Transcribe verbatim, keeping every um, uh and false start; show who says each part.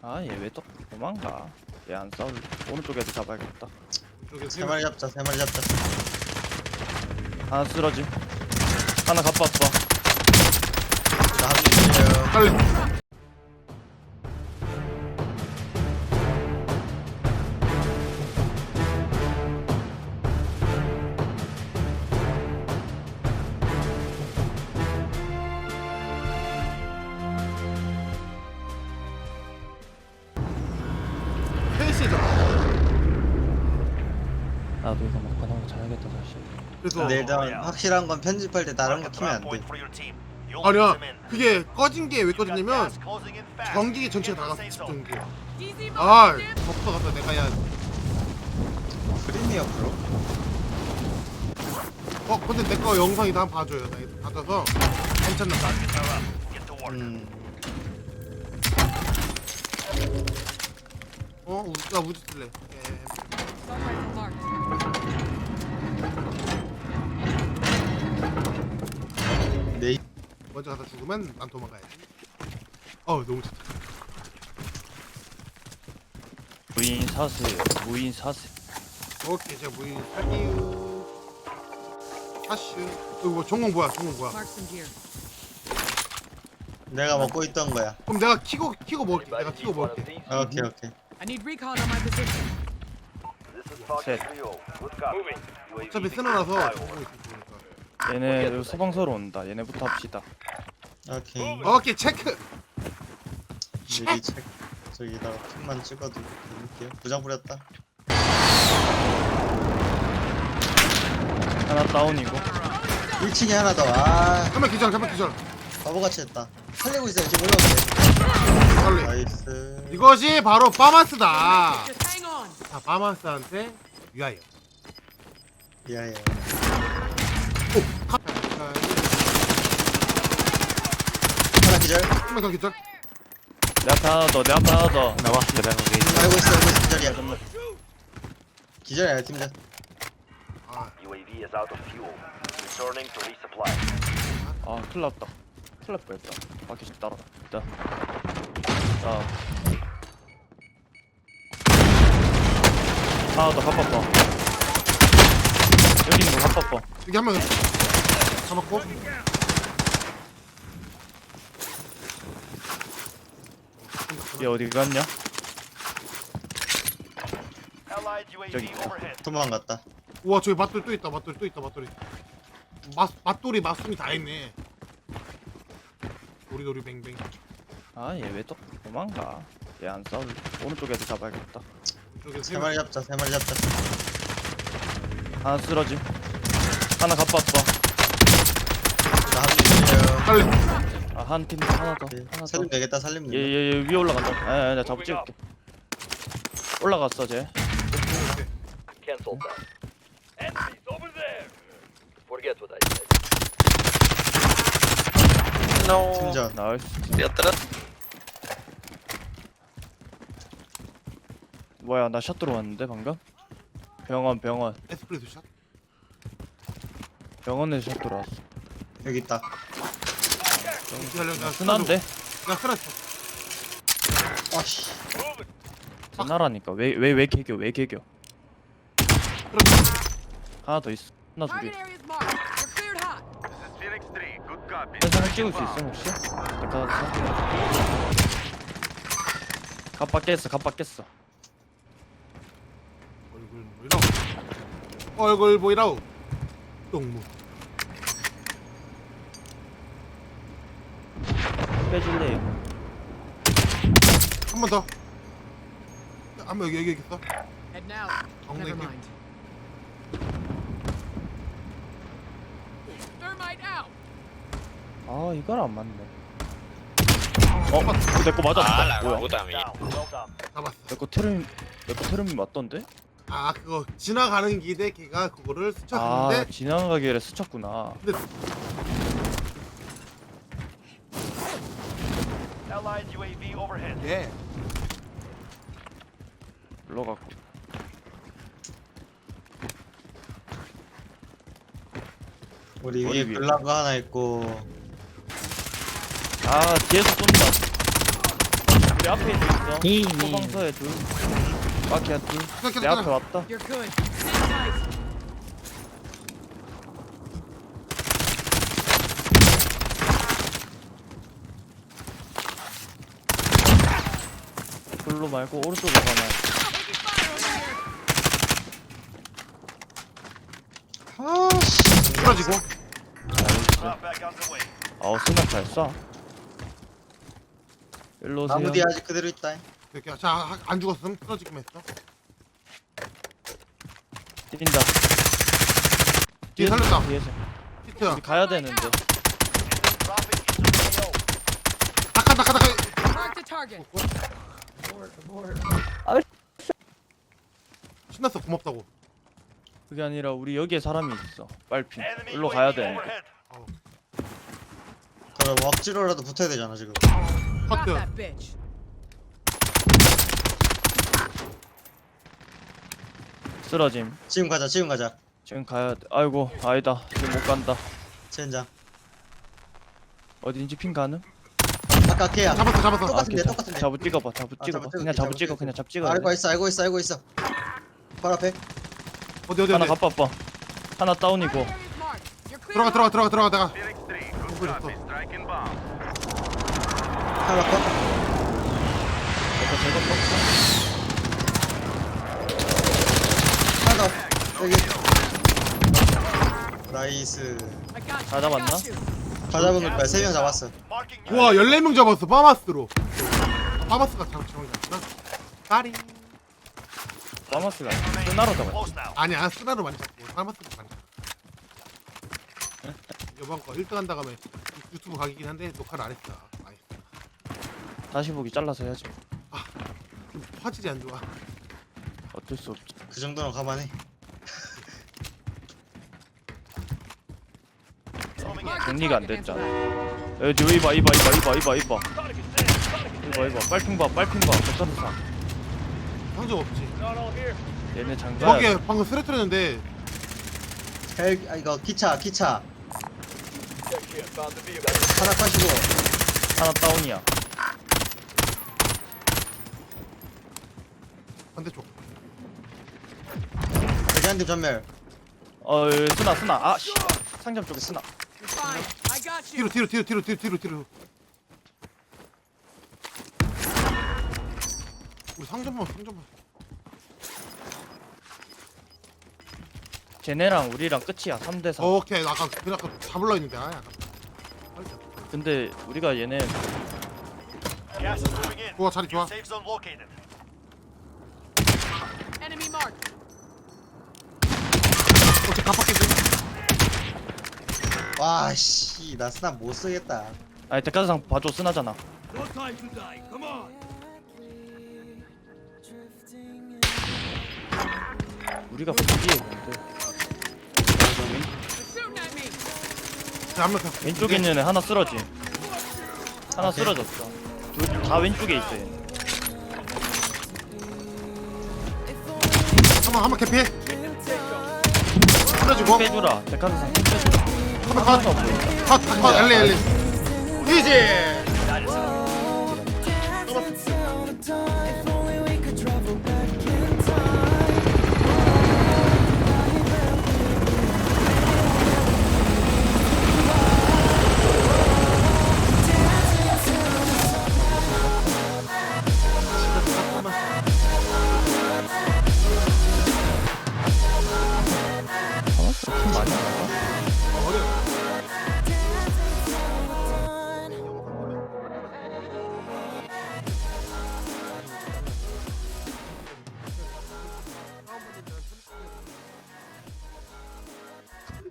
Speaker 1: 아, 얘 왜 또 도망가? 얘 안 싸울. 오른쪽에도 잡아야겠다.
Speaker 2: 세 마리 잡자, 세 마리 잡자.
Speaker 1: 하나 쓰러지. 하나 갑봤어.
Speaker 2: 나 합류해요.
Speaker 3: 빨리. 페이스죠.
Speaker 1: 나도 이거 먹고 나면 자야겠다 다시.
Speaker 3: 그래서
Speaker 2: 근데 일단 확실한 건 편집할 때 다른 거 키면 안 돼.
Speaker 3: 아니야. 그게 꺼진 게 왜 꺼졌냐면 전기 전체가 나갔어. 전기. 아, 덮어 갔다 내가 야.
Speaker 2: 프리미어 프로?
Speaker 3: 어, 근데 내 거 영상이 나 한번 봐줘요. 나 이거 받아서 괜찮나 봐.
Speaker 2: 음.
Speaker 3: 어, 우, 나 우주 쓸래. 예.
Speaker 2: 네.
Speaker 3: 먼저 가다 죽으면 난 도망가야지. 어, 너무 좋다.
Speaker 1: 무인 사슬. 무인 사슬.
Speaker 3: 오케이, 제가 무인 살기우. 하슈. 이거 뭐 전공 뭐야? 전공 뭐야?
Speaker 4: Mark some gear.
Speaker 2: 내가 먹고 있던 거야.
Speaker 3: 그럼 내가 키고 키고 먹을게. 내가 키고 먹을게.
Speaker 2: 아, 오케이, 오케이.
Speaker 4: I need recon on my position.
Speaker 1: 셋.
Speaker 3: 어차피 쓰러나서 전공 있으니까.
Speaker 1: 얘네 여기 소방서로 온다. 얘네부터 합시다.
Speaker 2: 오케이.
Speaker 3: 오케이, 체크.
Speaker 2: 미리 책 저기다가 핀만 찍어도 드릴게요. 부장 부렸다.
Speaker 1: 하나 다운이고.
Speaker 2: 일 층에 하나 더. 아,
Speaker 3: 한번 기절, 한번 기절.
Speaker 2: 바보같이 했다. 살리고 있어요. 지금 올라오세요.
Speaker 3: 빨리.
Speaker 2: 나이스.
Speaker 3: 이것이 바로 파마스다.
Speaker 4: Just hang on.
Speaker 3: 자, 파마스한테 위하여.
Speaker 2: 미안해요.
Speaker 3: 오, 카.
Speaker 2: 하나 기절.
Speaker 3: 한번 더 기절.
Speaker 1: 내 앞에 하나 더. 내 앞에 하나 더.
Speaker 2: 알고 있어, 알고 있어. 기절이야. 기절이야, 팀장.
Speaker 3: 아,
Speaker 5: 유에이브이 is out of fuel. Returning to resupply.
Speaker 1: 아, 큰일 났다. 큰일 날 뻔했다. 바퀴 좀 따라가. 자. 자. 하나 더 갑봤어. 여기 있는 거 갑봤어.
Speaker 3: 여기 한 명 잡았고.
Speaker 1: 얘 어디 갔냐?
Speaker 5: Allied
Speaker 1: 저기
Speaker 5: 유에이브이
Speaker 1: 있다.
Speaker 5: overhead.
Speaker 2: 도망갔다.
Speaker 3: 우와, 저기 맛돌 또 있다. 맛돌 또 있다. 맛돌이. 맛 맛돌이 맛순이 다 있네. 도리도리 뱅뱅.
Speaker 1: 아, 얘 왜 또 도망가? 얘 안 싸울. 오른쪽에도 잡아야겠다.
Speaker 3: 저기
Speaker 2: 세 마리 잡자, 세 마리 잡자.
Speaker 1: 하나 쓰러지. 하나 갑봤어.
Speaker 2: 나 합류해요.
Speaker 3: 빨리.
Speaker 1: 아, 한 팀 하나 더.
Speaker 2: 네,
Speaker 1: 하나 더.
Speaker 2: 살리면 되겠다, 살리면
Speaker 1: 얘,
Speaker 2: 된다.
Speaker 1: 얘, 얘 위에 올라간다. 아, 아, 나 잡을 찍을게. 올라갔어, 쟤.
Speaker 5: Cancel that. Enemies over there. Forget what I said.
Speaker 2: 팀전.
Speaker 1: 나이스. 뭐야, 나 샷 들어왔는데 방금? 병원, 병원.
Speaker 3: 에스프레소 샷.
Speaker 1: 병원에서 샷 들어왔어.
Speaker 2: 여기 있다.
Speaker 3: 기다려. 나
Speaker 1: 순한데?
Speaker 3: 나 쓰러져.
Speaker 2: 아씨.
Speaker 1: 순하라니까. 왜, 왜, 왜 개겨? 왜 개겨?
Speaker 3: 그럼
Speaker 1: 하나 더 있어. 하나 둘이.
Speaker 4: Target area is marked. We're cleared hot.
Speaker 5: This is Phoenix three. Good copy.
Speaker 1: 현상을 찍을 수 있어 혹시? 내가 갑박 깼어, 갑박 깼어.
Speaker 3: 얼굴 보이라우. 얼굴 보이라우. 똥무.
Speaker 1: 빼줄래?
Speaker 3: 한 번 더. 한 번 여기 여기 있어.
Speaker 4: Head now.
Speaker 3: 엉덩이
Speaker 4: Never
Speaker 3: 킥.
Speaker 4: mind. Thermite out.
Speaker 1: 아, 이걸 안 맞네. 어? 이거 내거 맞았다. 뭐야?
Speaker 5: Down. Well done.
Speaker 3: 잡았어.
Speaker 1: 내거 테르미, 내거 테르미 맞던데?
Speaker 3: 아, 그거 지나가는 길에 걔가 그거를
Speaker 1: 아,
Speaker 3: 스쳤는데.
Speaker 1: 지나가길래 스쳤구나.
Speaker 3: 근데
Speaker 5: Allied 유에이브이 overhead.
Speaker 3: 예.
Speaker 1: 올라가고.
Speaker 2: 우리
Speaker 1: 머리
Speaker 2: 위에
Speaker 1: 위에.
Speaker 2: 글라그 하나 있고.
Speaker 1: 아, 뒤에서 쏜다. 내 앞에 있어. 소방서에 둘. 바퀴야 둘. 내 앞에 왔다.
Speaker 4: You're good. Sit tight.
Speaker 1: 글로 말고 오른쪽으로 가면.
Speaker 4: Taking fire over here.
Speaker 2: 아씨.
Speaker 3: 쓰러지고.
Speaker 1: 나이스. 아우 스나잘 쏴. 일로 오세요.
Speaker 2: 나무 뒤에 아직 그대로 있다.
Speaker 3: 이렇게 자안 죽었음. 쓰러지기만 했어.
Speaker 1: 뛴다.
Speaker 3: 뒤에 살렸다.
Speaker 1: 뒤에서.
Speaker 3: 히트야.
Speaker 1: 우리 가야 되는데.
Speaker 3: 닭한 닭한 닭한.
Speaker 4: Mark the target.
Speaker 3: 신났어. 고맙다고.
Speaker 1: 그게 아니라 우리 여기에 사람이 있어. 빨핀. 일로 가야 되는데.
Speaker 3: 어.
Speaker 2: 그럼 억지로라도 붙어야 되잖아 지금.
Speaker 4: Drop
Speaker 3: 커트.
Speaker 4: that bitch.
Speaker 1: 쓰러짐.
Speaker 2: 지금 가자 지금 가자.
Speaker 1: 지금 가야 돼. 아이고 아니다. 지금 못 간다.
Speaker 2: 젠장.
Speaker 1: 어딘지 핀 가능?
Speaker 2: 아까 걔야.
Speaker 3: 잡았어 잡았어.
Speaker 2: 똑같은데,
Speaker 1: 괜찮아.
Speaker 2: 똑같은데.
Speaker 1: 잡을 찍어봐. 잡을
Speaker 2: 아,
Speaker 1: 찍어봐.
Speaker 2: 잡을
Speaker 1: 그냥
Speaker 2: 찍을게,
Speaker 1: 잡을
Speaker 2: 잡을
Speaker 1: 찍어. 그냥 잡 찍어.
Speaker 2: 알고 있어 알고 있어 알고 있어. 바로 앞에.
Speaker 3: 어디 어디
Speaker 1: 하나
Speaker 3: 어디.
Speaker 1: 갑바빠. 하나 다운이고.
Speaker 4: Area is marked. You're clear.
Speaker 3: 들어가 들어가 들어가 들어가 내가.
Speaker 2: 하나 컷.
Speaker 1: 이거 제거
Speaker 2: 하나 더. 여기. 나이스.
Speaker 4: I got you.
Speaker 1: 다
Speaker 4: I
Speaker 1: 잡았나?
Speaker 4: got you.
Speaker 2: 다 잡은 거야. 세 명 잡았어.
Speaker 3: 와 열네 명 잡았어. 파마스로. 아, 파마스가 잘 잡은 게 아니라. 까리.
Speaker 1: 파마스가 쓰나로 잡았지.
Speaker 3: 아니야 쓰나로 많이 잡고 파마스로 많이 잡고. 이번 거 일 등 한다 가면 유튜브 각이긴 한데 녹화를 안 했어. 아이,
Speaker 1: 다시 보기 잘라서 해야지.
Speaker 3: 좀 화질이 안 좋아.
Speaker 1: 어쩔 수 없지.
Speaker 2: 그 정도는 가만해.
Speaker 4: Mark the
Speaker 1: 정리가 안
Speaker 4: target,
Speaker 1: 됐잖아.
Speaker 4: Angela.
Speaker 1: 여기 이봐 이봐 이봐 이봐 이봐 이봐. 이봐 이봐 빨핑 봐 빨핑 봐. 백사사.
Speaker 3: 상점 없지.
Speaker 1: 얘네 장가.
Speaker 3: 거기에 방금 쓰러뜨렸는데
Speaker 2: 헬 아, 이거 기차 기차. 하나 컷이고.
Speaker 1: 하나 다운이야.
Speaker 3: 반대쪽.
Speaker 2: 여기 한 팀 전멸.
Speaker 1: 어 여기 쓰나 쓰나. 아 씨. 상점 쪽에 쓰나.
Speaker 4: You're fine. I got
Speaker 3: 뒤로
Speaker 4: you.
Speaker 3: 뒤로 뒤로 뒤로 뒤로 뒤로 뒤로. 우리 상점만 상점만.
Speaker 1: 쟤네랑 우리랑 끝이야. 삼 대 삼.
Speaker 3: 오케이 나 아까 그 아까 잡으려 했는데 아 약간.
Speaker 1: 근데 우리가 얘네
Speaker 3: 좋아 자리 좋아.
Speaker 4: Enemy marked.
Speaker 3: 어째 깜빡했지.
Speaker 2: 와씨 나 스나 못 쓰겠다.
Speaker 1: 아니 대가상 봐줘 쓰나잖아. 우리가 부기에 뭔데?
Speaker 4: They're shooting at me.
Speaker 3: 한명 더.
Speaker 1: 왼쪽에 있는 애 하나 쓰러지. 하나 쓰러졌어. 둘 다 왼쪽에 있어 얘.
Speaker 3: 한번 한번 개피해. 쓰러지고.
Speaker 1: 빼주라. 대가상 빼주라.
Speaker 3: 한번 컷. 컷. 컷. 엘리 엘리. 이지.
Speaker 1: 많이 안 나가?